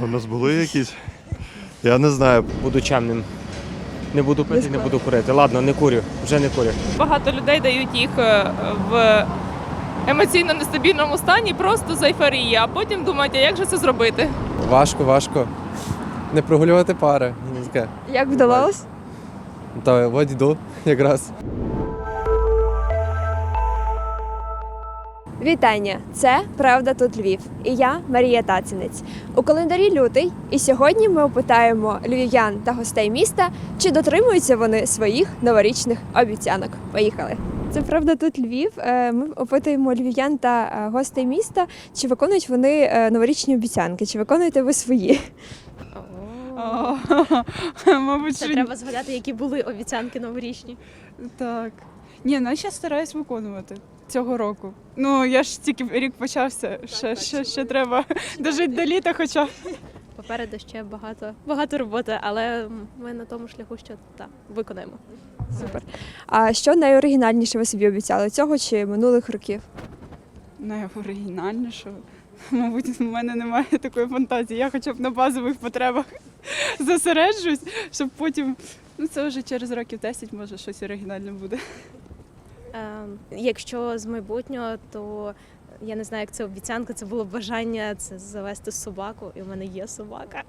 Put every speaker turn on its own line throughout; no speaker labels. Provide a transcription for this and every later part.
У нас були якісь? Я не знаю.
Буду чемним. Не буду пити, не буду курити. Ладно, не курю, вже не курю.
Багато людей дають їх в емоційно нестабільному стані просто з ейфорії, а потім думають, а як же це зробити?
Важко. Не прогулювати пари. Ну, таке.
Як вдавалось?
Та от йду якраз.
Вітання! Це «Правда тут Львів» і я Марія Тацинець. У календарі лютий, і сьогодні ми опитаємо львів'ян та гостей міста, чи дотримуються вони своїх новорічних обіцянок. Поїхали! Це «Правда тут Львів». Ми опитуємо львів'ян та гостей міста, чи виконують вони новорічні обіцянки, чи виконуєте ви свої?
Мабуть,
Це
що
треба згадати, які були обіцянки новорічні.
так. Ні, ну я ще стараюсь виконувати цього року. Ну, я ж тільки рік почався, ще треба дожити до літа хоча б.
Попереду ще багато роботи, але ми на тому шляху, що виконаємо.
Супер. А що найоригінальніше ви собі обіцяли, цього чи минулих років?
Найоригінальніше. Мабуть, в мене немає такої фантазії. Я хоча б на базових потребах зосереджусь, щоб потім, ну це вже через років 10, може, щось оригінальне буде.
Якщо з майбутнього, то я не знаю, як це обіцянка, це було бажання це завести собаку, і в мене є собака.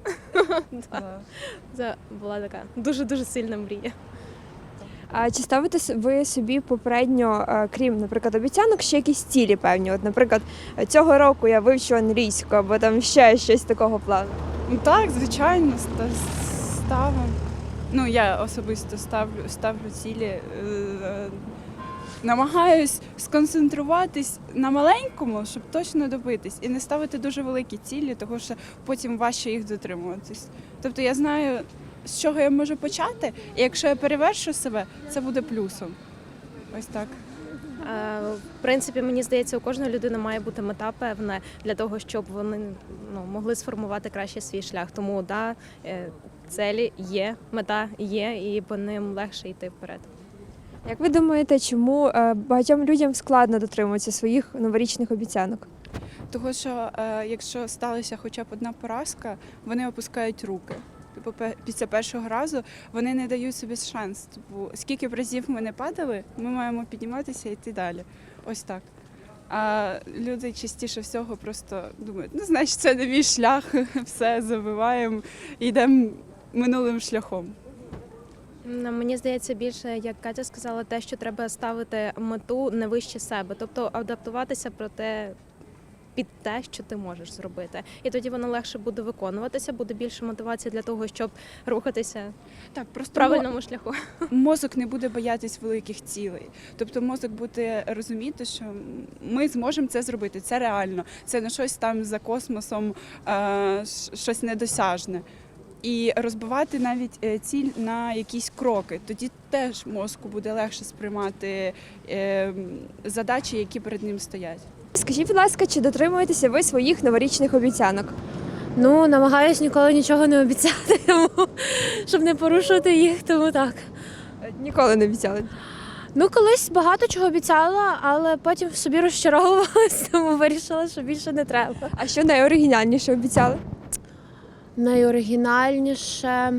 Це була така дуже-дуже сильна мрія.
А чи ставите ви собі попередньо, крім, наприклад, обіцянок, ще якісь цілі певні? От, наприклад, цього року я вивчу англійську, або там ще щось такого плану?
Ну так, звичайно, ставимо. Ну, я особисто ставлю цілі. Намагаюсь сконцентруватись на маленькому, щоб точно добитись, і не ставити дуже великі цілі, тому що потім важче їх дотримуватись. Тобто я знаю, з чого я можу почати, і якщо я перевершу себе, це буде плюсом. Ось так.
В принципі, мені здається, у кожної людини має бути мета певна для того, щоб вони могли сформувати краще свій шлях. Тому цілі є, мета є, і по ним легше йти вперед.
Як ви думаєте, чому багатьом людям складно дотримуватися своїх новорічних обіцянок?
Тому що якщо сталася хоча б одна поразка, вони опускають руки. Типу, після першого разу вони не дають собі шанс. Типу, скільки б разів ми не падали, ми маємо підніматися і йти далі. Ось так. А люди частіше всього просто думають, ну, значить, це не мій шлях, все, забиваємо і йдемо минулим шляхом.
Мені здається, більше, як Катя сказала, те, що треба ставити мету не вище себе, тобто адаптуватися під те, що ти можеш зробити. І тоді воно легше буде виконуватися, буде більше мотивації для того, щоб рухатися в правильному шляху.
Мозок не буде боятись великих цілей. Тобто мозок буде розуміти, що ми зможемо це зробити, це реально, це не щось там за космосом, щось недосяжне. І розбивати навіть ціль на якісь кроки. Тоді теж мозку буде легше сприймати задачі, які перед ним стоять.
Скажіть, будь ласка, чи дотримуєтеся ви своїх новорічних обіцянок?
Ну, намагаюсь ніколи нічого не обіцяти, щоб не порушувати їх, тому так.
Ніколи не обіцяли.
Ну, колись багато чого обіцяла, але потім в собі розчаровувалась, тому вирішила, що більше не треба.
А що найоригінальніше обіцяли?
Найоригінальніше.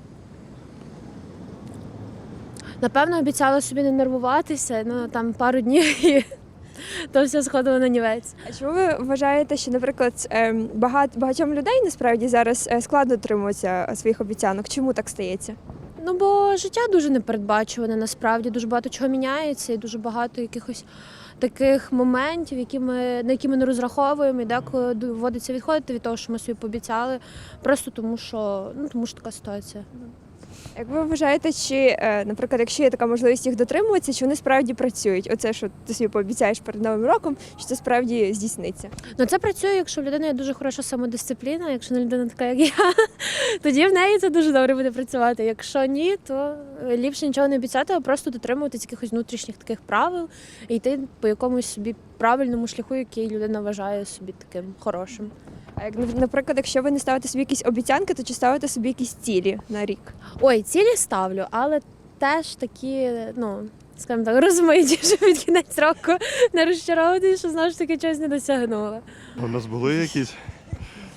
Напевно, обіцяла собі не нервуватися, ну там пару днів і то все сходило на нівець.
А чому ви вважаєте, що, наприклад, багатьом людей насправді зараз складно дотримуватися своїх обіцянок? Чому так стається?
Ну, бо життя дуже непередбачуване, насправді, дуже багато чого міняється і дуже багато якихось таких моментів, на які ми не розраховуємо, і деколи доводиться відходити від того, що ми собі пообіцяли, просто тому що така ситуація.
Як ви вважаєте, чи, наприклад, якщо є така можливість їх дотримуватися, чи вони справді працюють? Оце, що ти собі пообіцяєш перед Новим роком, що це справді здійсниться?
Ну, це працює, якщо в людини є дуже хороша самодисципліна, якщо не людина така, як я, тоді в неї це дуже добре буде працювати. Якщо ні, то ліпше нічого не обіцяти, а просто дотримуватися якихось внутрішніх таких правил і йти по якомусь собі правильному шляху, який людина вважає собі таким хорошим.
А як, наприклад, якщо ви не ставите собі якісь обіцянки, то чи ставите собі якісь цілі на рік?
Ой, цілі ставлю, але теж такі, скажімо так, розмиті, щоб під кінець року не розчаровувати, що знову ж таки чогось не досягнула.
У нас були якісь?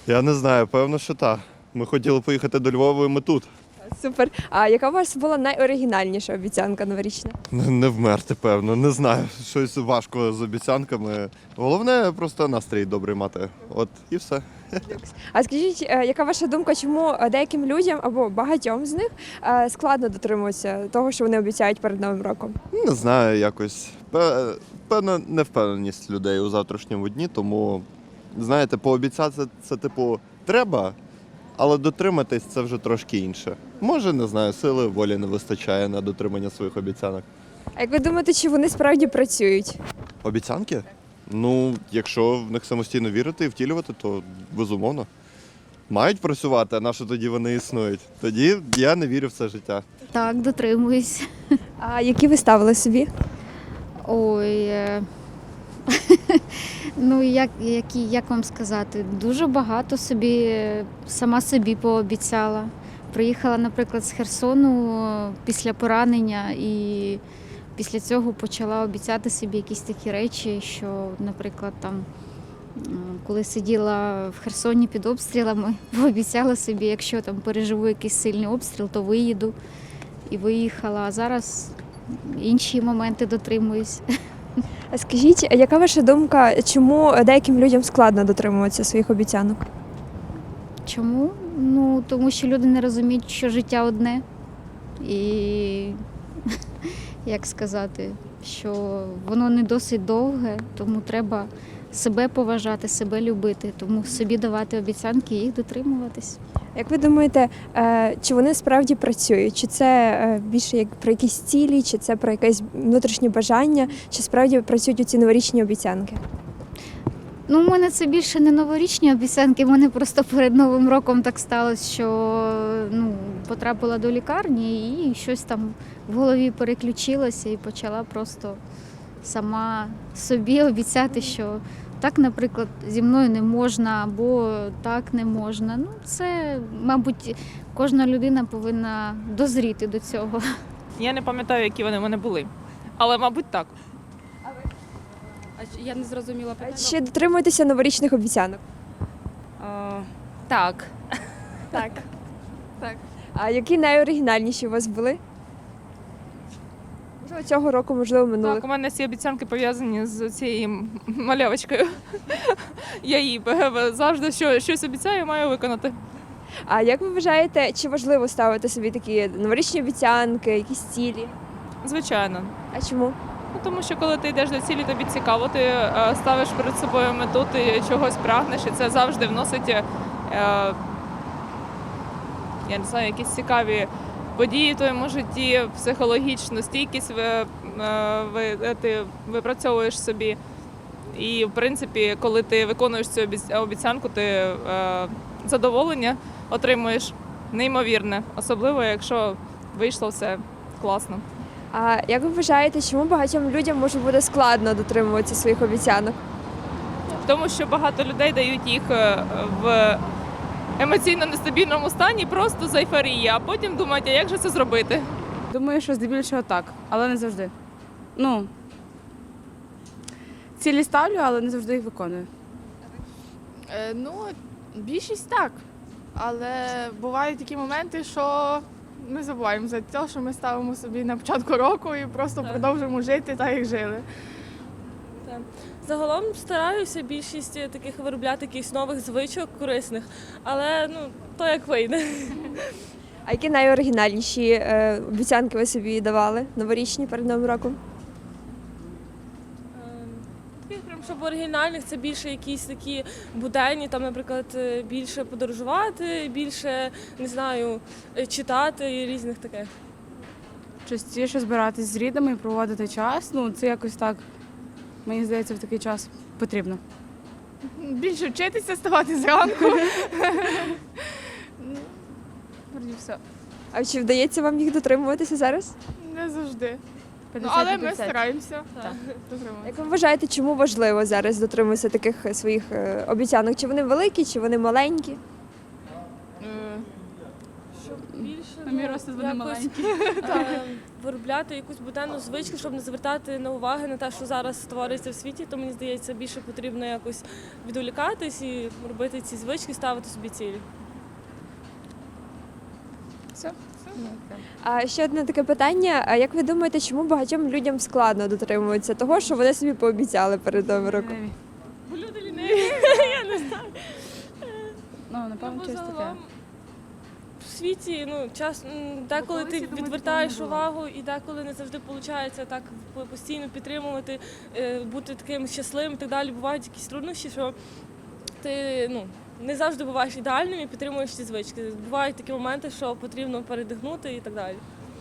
Я не знаю, певно, що так. Ми хотіли поїхати до Львова, і ми тут.
Супер. А яка у вас була найоригінальніша обіцянка новорічна?
Не вмерти, певно, не знаю. Щось важко з обіцянками. Головне просто настрій добрий мати. От і все.
А скажіть, яка ваша думка, чому деяким людям або багатьом з них складно дотримуватися того, що вони обіцяють перед Новим роком?
Не знаю, якось. Певно, невпевненість людей у завтрашньому дні, тому, знаєте, пообіцяти це типу треба, але дотриматись це вже трошки інше. Може, не знаю, сили волі не вистачає на дотримання своїх обіцянок.
А як ви думаєте, чи вони справді працюють?
Обіцянки? Ну, якщо в них самостійно вірити і втілювати, то безумовно. Мають працювати, а на що тоді вони існують? Тоді я не вірю в це життя.
Так, дотримуюсь.
А які ви ставили собі?
Ой. Ну, як вам сказати, дуже багато сама собі пообіцяла. Приїхала, наприклад, з Херсону після поранення і після цього почала обіцяти собі якісь такі речі, що, наприклад, там, коли сиділа в Херсоні під обстрілами, пообіцяла собі, якщо там переживу якийсь сильний обстріл, то виїду. І виїхала. А зараз інші моменти дотримуюсь.
А скажіть, яка ваша думка, чому деяким людям складно дотримуватися своїх обіцянок?
Чому? Ну, тому що люди не розуміють, що життя одне. І, як сказати, що воно не досить довге, тому треба себе поважати, себе любити, тому собі давати обіцянки і їх дотримуватись.
Як ви думаєте, чи вони справді працюють? Чи це більше як про якісь цілі, чи це про якесь внутрішнє бажання, чи справді працюють у ці новорічні обіцянки?
Ну, у мене це більше не новорічні обіцянки, в мене просто перед Новим роком так сталося, що потрапила до лікарні і щось там в голові переключилося і почала просто сама собі обіцяти, що так, наприклад, зі мною не можна або так не можна. Ну, це, мабуть, кожна людина повинна дозріти до цього.
Я не пам'ятаю, які вони в мене були. Але, мабуть, так.
Я не зрозуміла питання.
Чи дотримуєтеся новорічних обіцянок?
Так.
Так. А які найоригінальніші у вас були? Можливо, цього року, можливо, минулих.
Так, у мене ці обіцянки пов'язані з цією малявочкою. Я їй завжди щось обіцяю, маю виконати.
А як ви вважаєте, чи важливо ставити собі такі новорічні обіцянки, якісь цілі?
Звичайно.
А чому?
Ну, тому що коли ти йдеш до цілі, тобі цікаво, ти ставиш перед собою мету, ти чогось прагнеш, і це завжди вносить, я не знаю, якісь цікаві події в твоєму житті, психологічну стійкість ти випрацьовуєш собі. І, в принципі, коли ти виконуєш цю обіцянку, ти задоволення отримуєш неймовірне, особливо, якщо вийшло все класно.
А як ви вважаєте, чому багатьом людям може бути складно дотримуватися своїх обіцянок?
Тому що багато людей дають їх в емоційно нестабільному стані просто з ейфорії, а потім думають, а як же це зробити?
Думаю, що здебільшого так, але не завжди. Ну, цілі ставлю, але не завжди їх виконую.
Більшість так. Але бувають такі моменти, що ми забуваємо за те, що ми ставимо собі на початку року і просто продовжуємо жити так, як жили.
Загалом стараюся більшість таких виробляти якихось нових звичок корисних, але то як вийде.
А які найоригінальніші обіцянки ви собі давали новорічні перед Новим роком?
Таких прям, щоб оригінальних, це більше якісь такі буденні, там, наприклад, більше подорожувати, більше, не знаю, читати і різних таких.
Частіше збиратись з рідними і проводити час, це якось так, мені здається, в такий час потрібно.
Більше вчитися, ставати зранку. Вроді все.
А чи вдається вам їх дотримуватися зараз?
Не завжди. Але ми стараємося.
Як ви вважаєте, чому важливо зараз дотримуватися таких своїх обіцянок? Чи вони великі, чи вони маленькі?
Щоб більше
А мій розсуд буде
якось,
маленький.
виробляти якусь буденну звичку, щоб не звертати на уваги на те, що зараз твориться в світі, то мені здається, більше потрібно якось відволікатись і робити ці звички, ставити собі цілі.
Все.
А ще одне таке питання: а як ви думаєте, чому багатьом людям складно дотримуватися того, що вони собі пообіцяли перед Новим роком?
Бо люди ліниві, я не знаю.
Ну, напевно,
Бо
щось таке.
загалом в світі деколи ти відвертаєш увагу, і деколи не завжди виходить так постійно підтримувати, бути таким щасливим і так далі. Бувають якісь труднощі, що ти не завжди буваєш ідеальним і підтримуєш ці звички. Бувають такі моменти, що потрібно передихнути і так далі.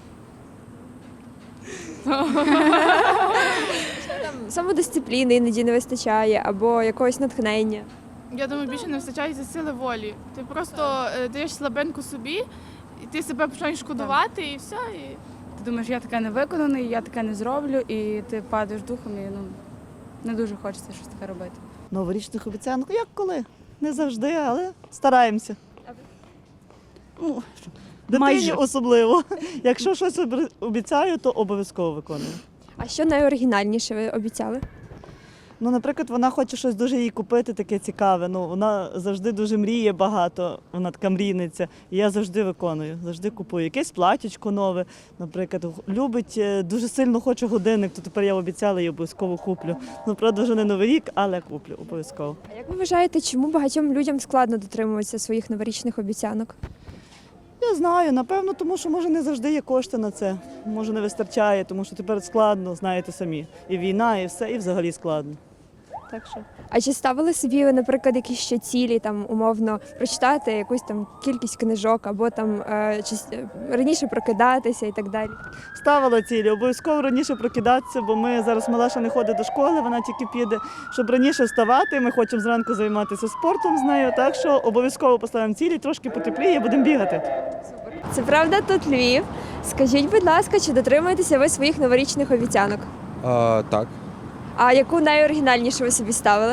Там самодисципліни іноді не вистачає, або якогось натхнення.
Я думаю, більше не вистачає сили волі. Ти просто даєш слабинку собі, і ти себе починаєш шкодувати, і все. І...
Ти думаєш, я таке не виконаний, я таке не зроблю, і ти падаєш духом, і не дуже хочеться щось таке робити.
Новорічних обіцянок, як коли? Не завжди, але стараємося. Ну, дитині особливо. Якщо щось обіцяю, то обов'язково виконую.
А що найоригінальніше ви обіцяли?
Ну, наприклад, вона хоче щось дуже їй купити, таке цікаве. Ну, вона завжди дуже мріє багато, вона така мрійниця. І я завжди виконую, завжди купую. Якесь платічко нове, наприклад, любить, дуже сильно хоче годинник, то тепер я обіцяла і обов'язково куплю. Ну, правда, вже не Новий рік, але куплю обов'язково.
А як ви вважаєте, чому багатьом людям складно дотримуватися своїх новорічних обіцянок?
Я знаю, напевно, тому що може не завжди є кошти на це. Може не вистачає, тому що тепер складно, знаєте самі. І війна, і все, і взагалі складно. Так що.
А чи ставили собі, наприклад, якісь ще цілі, там умовно прочитати якусь там кількість книжок, або там раніше прокидатися і так далі?
Ставила цілі, обов'язково раніше прокидатися, бо ми зараз Малаша не ходить до школи, вона тільки піде, щоб раніше вставати. Ми хочемо зранку займатися спортом з нею, так що обов'язково поставимо цілі, трошки потепліє, будемо бігати.
Це правда, тут Львів. Скажіть, будь ласка, чи дотримуєтеся ви своїх новорічних обіцянок?
Так.
А яку найоригінальнішу ви собі ставили?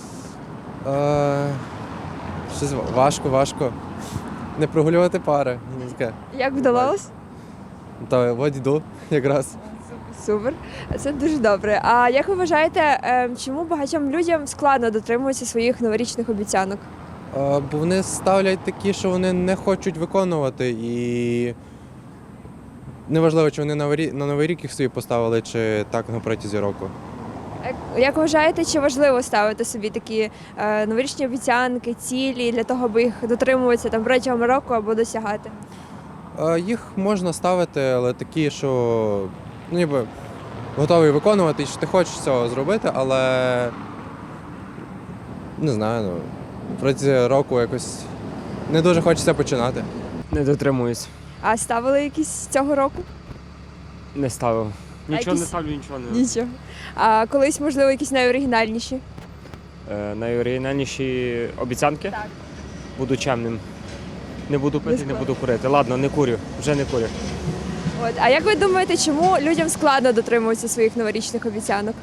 Щось важко. Не прогулювати пари. Ну, таке.
Як вдалося?
Та от йду якраз.
Супер, це дуже добре. А як ви вважаєте, чому багатьом людям складно дотримуватися своїх новорічних обіцянок?
Бо вони ставлять такі, що вони не хочуть виконувати, і неважливо, чи вони на Новий рік їх собі поставили, чи так на протязі року.
Як вважаєте, чи важливо ставити собі такі новорічні обіцянки, цілі для того, аби їх дотримуватися там протягом року або досягати?
Їх можна ставити, але такі, що ніби готовий виконувати, і що ти хочеш цього зробити, але не знаю, протягом року якось не дуже хочеться починати.
Не дотримуюсь.
А ставили якісь цього року?
Не ставив. Нічого
якісь-
не ставлю, нічого не.
Нічого. А колись, можливо, якісь найоригінальніші?
Найоригінальніші обіцянки?
Так.
Буду чемним. Не буду пити, не буду курити. Ладно, не курю, вже не курю.
От. А як ви думаєте, чому людям складно дотримуватися своїх новорічних обіцянок?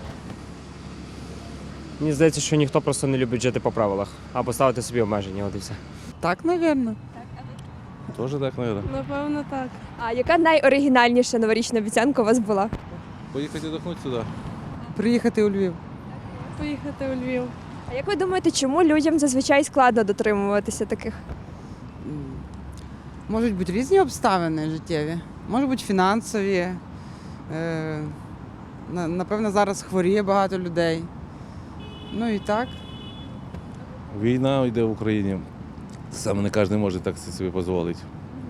Мені здається, що ніхто просто не любить жити по правилах, а поставити собі обмеження, от і все.
Так, мабуть.
Тоже так, мабуть.
Напевно, так.
А яка найоригінальніша новорічна обіцянка у вас була?
Поїхати віддохнути сюди.
Приїхати у Львів.
Поїхати у Львів.
А як ви думаєте, чому людям зазвичай складно дотримуватися таких?
Можуть бути різні обставини життєві, можуть бути фінансові. Напевно, зараз хворіє багато людей. Ну і так.
Війна йде в Україні. Саме не кожен може так собі дозволити.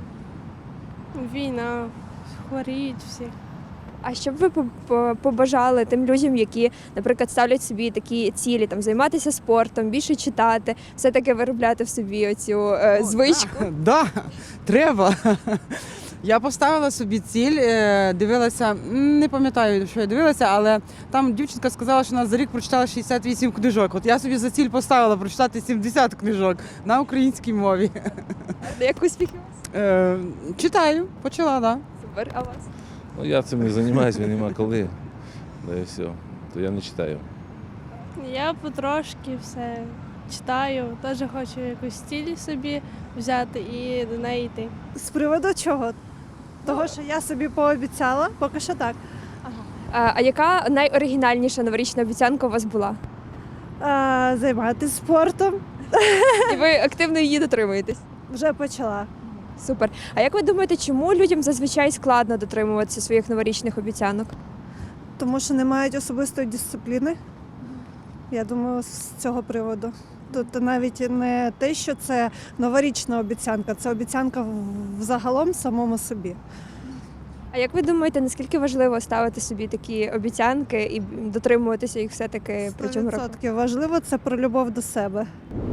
Війна, хворіють всі.
А що б ви побажали тим людям, які, наприклад, ставлять собі такі цілі, там займатися спортом, більше читати, все-таки виробляти в собі оцю звичку?
Да, треба. Я поставила собі ціль, дивилася, не пам'ятаю, що я дивилася, але там дівчинка сказала, що вона за рік прочитала 68 книжок. От я собі за ціль поставила прочитати 70 книжок на українській мові.
Як успіхи у вас?
Читаю, почала, так. Да.
Супер, а у вас?
Ну, я цим не займаюся, нема коли. Да і все. То я не читаю.
Я потрошки все читаю, теж хочу якусь ціль собі взяти і до неї йти.
З приводу чого? Того, що я собі пообіцяла, поки що так.
А яка найоригінальніша новорічна обіцянка у вас була?
Займатися спортом
І ви активно її дотримуєтесь?
вже почала.
Супер. А як ви думаєте, чому людям зазвичай складно дотримуватися своїх новорічних обіцянок?
Тому що не мають особистої дисципліни. Я думаю, з цього приводу. Тут навіть не те, що це новорічна обіцянка, це обіцянка взагалом самому собі.
А як ви думаєте, наскільки важливо ставити собі такі обіцянки і дотримуватися їх все-таки протягом року?
100% важливо, це про любов до себе.